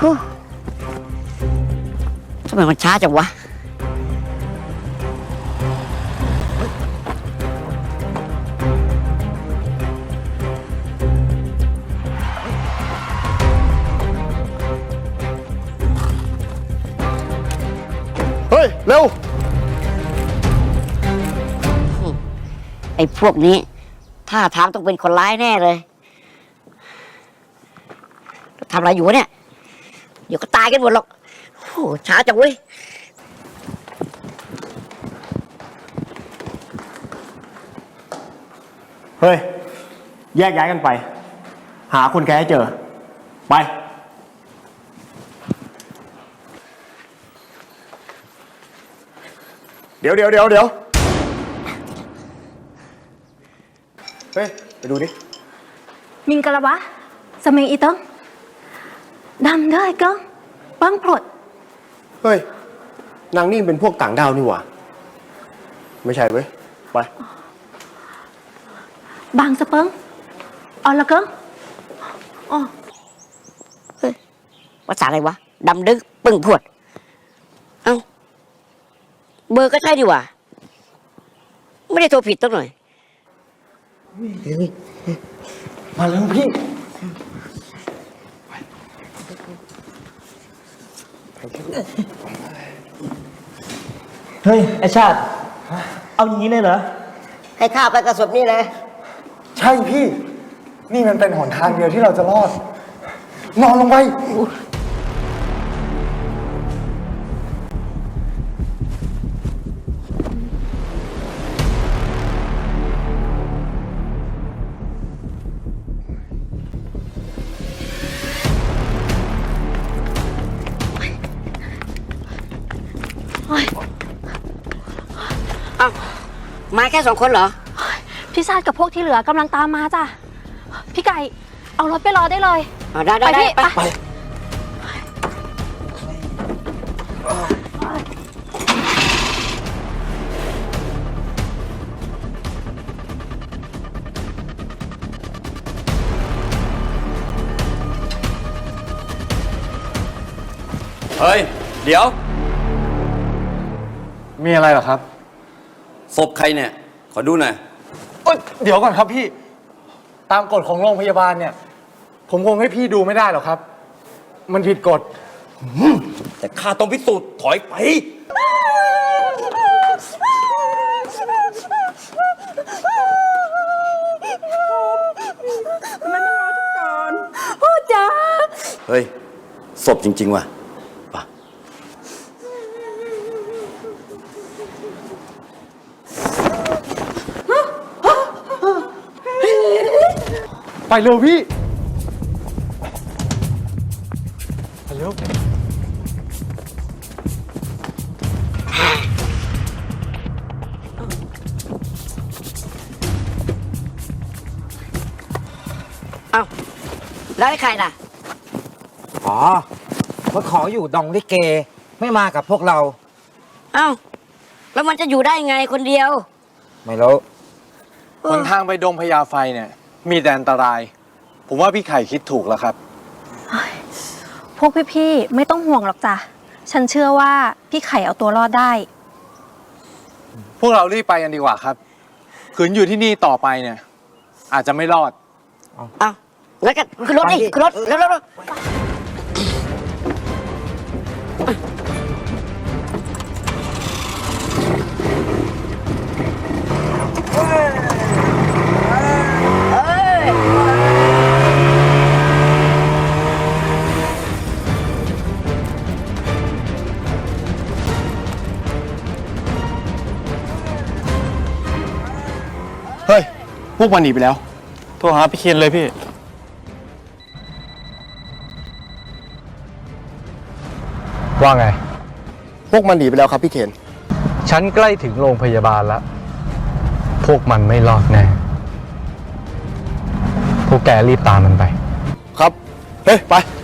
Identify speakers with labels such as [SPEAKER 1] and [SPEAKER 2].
[SPEAKER 1] ทำไมมันช้าจังวะ
[SPEAKER 2] เฮ้ย เร็ว
[SPEAKER 1] ไอ้พวกนี้ท่าทางต้องเป็นคนร้ายแน่เลยทำอะไรอยู่เนี่ยเดี๋ยวก็ตายกันหมดหรอกโอ้ช้าจังเว้ย
[SPEAKER 2] เฮ้ย แยกย้ายกันไป หาคนแกให้เจอ ไป เดี๋ยว เฮ้ย ไปดูดิ
[SPEAKER 3] มิงกะละวะสมัยอีต้องดำเด้อไอ้ก้องปังพลด
[SPEAKER 2] เฮ้ย นางนี่เป็นพวกต่างดาวนี่หว่า ไม่ใช่เว้ย ไป
[SPEAKER 3] บางสะเปิงอ๋อละก้องอ๋อ
[SPEAKER 1] ภาษาอะไรวะดำดึกปึ้งพวดเอ้าเบอร์ก็ใช่ดิว่ะไม่ได้โทรผิดตั้งหน่อย
[SPEAKER 2] มาแล้วพี่
[SPEAKER 4] เฮ้ย ไอชาติ เอาอย่างนี้เลยเหรอ
[SPEAKER 1] ให้ข้าไปกระสบนี่เลย
[SPEAKER 2] ใช่พี่ นี่มันเป็นหนทางเดียวที่เราจะรอด นอนลงไป
[SPEAKER 1] เอ้ามาแค่2 คนเหรอ
[SPEAKER 3] พี่ชาติกับพวกที่เหลือกำลังตามมาจ้ะพี่ไก่เอารถไปรอได้เลย
[SPEAKER 1] ได้
[SPEAKER 3] ไปพี่
[SPEAKER 1] ไป
[SPEAKER 3] ไป
[SPEAKER 5] เฮ้ย เดี๋ยว
[SPEAKER 2] มีอะไรเหรอครับ
[SPEAKER 5] ศพใครเนี่ย ขอดูหน่อย
[SPEAKER 2] เดี๋ยวก่อนครับพี่ ตามกฎของโรงพยาบาลเนี่ย ผมคงให้พี่ดูไม่ได้หรอกครับ มันผิดกฎ
[SPEAKER 5] แต่ข้าต้องพิสูจน์ถอยไป
[SPEAKER 3] พ่อจ๋า
[SPEAKER 5] เฮ้ย ศพจริง ๆ ว่ะป่ะ
[SPEAKER 2] ไปเร็วพี่ ไปเร็ว
[SPEAKER 1] เอ้าแล้วไอ้ใครล่ะ
[SPEAKER 4] อ๋อมาขออยู่ดองลิเก ไม่มากับพวกเรา
[SPEAKER 1] เอ้าแล้วมันจะอยู่ได้ไงคนเดียว
[SPEAKER 4] ไม่รู้
[SPEAKER 2] หนทางไปดงพญาไฟเนี่ย มีแต่อันตราย ผมว่าพี่ไข่คิดถูกแล้วครับ
[SPEAKER 3] พวกพี่ๆไม่ต้องห่วงหรอกจ้ะฉันเชื่อว่าพี่ไข่เอาตัวรอดได้
[SPEAKER 2] พวกเรารีบไปกันดีกว่าครับ ขืนอยู่ที่นี่ต่อไปเนี่ย อาจจะไม่รอด
[SPEAKER 1] เอ้าแล้วก็ขึ้นรถดิขึ้นรถเร็ว
[SPEAKER 2] เฮ้ย พวกมันหนีไปแล้ว โทรหาพี่เคนเลยพี่
[SPEAKER 6] ว่าไง
[SPEAKER 2] พวกมันหนีไปแล้วครับพี่เคน
[SPEAKER 6] ฉันใกล้ถึงโรงพยาบาลแล้ว พวกมันไม่รอดแน่ พวกแกรีบตามมันไป
[SPEAKER 2] ครับ เฮ้ย ไป